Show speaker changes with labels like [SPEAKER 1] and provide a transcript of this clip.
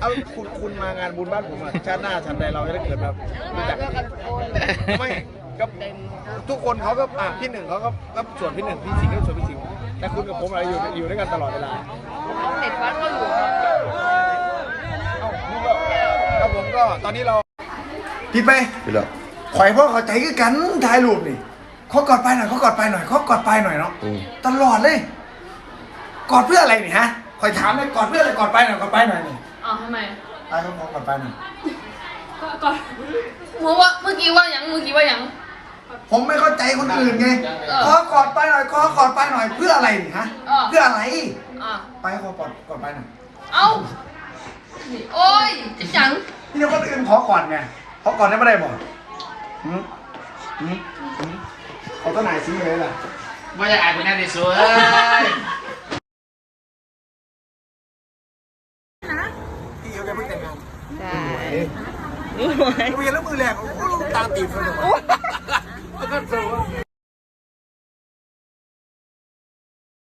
[SPEAKER 1] เอาคุณมางานบุญบ้านผมอะชาติหน้าชาติใดเราจะได้เกิดแบบรู้จักไม่ก็ทุกคนเขาก็พี่หนึ่งเขาก็ส่วนพี่หนึ่งพี่สิงห์ก็ส่วนพี่สิงห์แต่คุณกับผมอะไรอยู่ด้วยกันตลอดเวลา
[SPEAKER 2] เด็ดวัดก็อยู่
[SPEAKER 1] ครับผมก็ตอนนี้เราผิดไป
[SPEAKER 3] ไปแล้ว
[SPEAKER 1] ข่อยพ่อเข้าใจคือกันถ่ายรูปนี่เขากอดไปหน่อยเขากอดไปหน่อยเขากอดไปหน่อยเนาะตลอดเลยกอดเพื่ออะไรนี่ฮะข่อยถามเลยกอดเพื่ออะไรกอดไปหน่อยกอดไปหน่อยนี่
[SPEAKER 2] อ๋อทำไม
[SPEAKER 1] ตายเขากอดไปหน่อย
[SPEAKER 2] ก็เมื่อกี้ว่ายัง
[SPEAKER 1] ผมไม่เข้าใจคนอื่นไงขอกอดไปหน่อยขอกอดไปหน่อยเพื่ออะไรนี่ฮะเพื่ออะไรไปเขากอดไปหน่อย
[SPEAKER 2] เอ้าโอ้ยจัง
[SPEAKER 1] นี่เดี๋ยวคนอื่นขอกอดไงขอกอดได้ไม่ได้บอกเขาต้นไหนซื้อเลยล่ะ
[SPEAKER 3] ว่าจะอ่านเป็นแน่ในสวย
[SPEAKER 1] พี่เขาจะเพิ่งแต่งงาน
[SPEAKER 2] ใช่
[SPEAKER 1] เรียนแล้วมือแหลกโอ้โหตามตีบเลย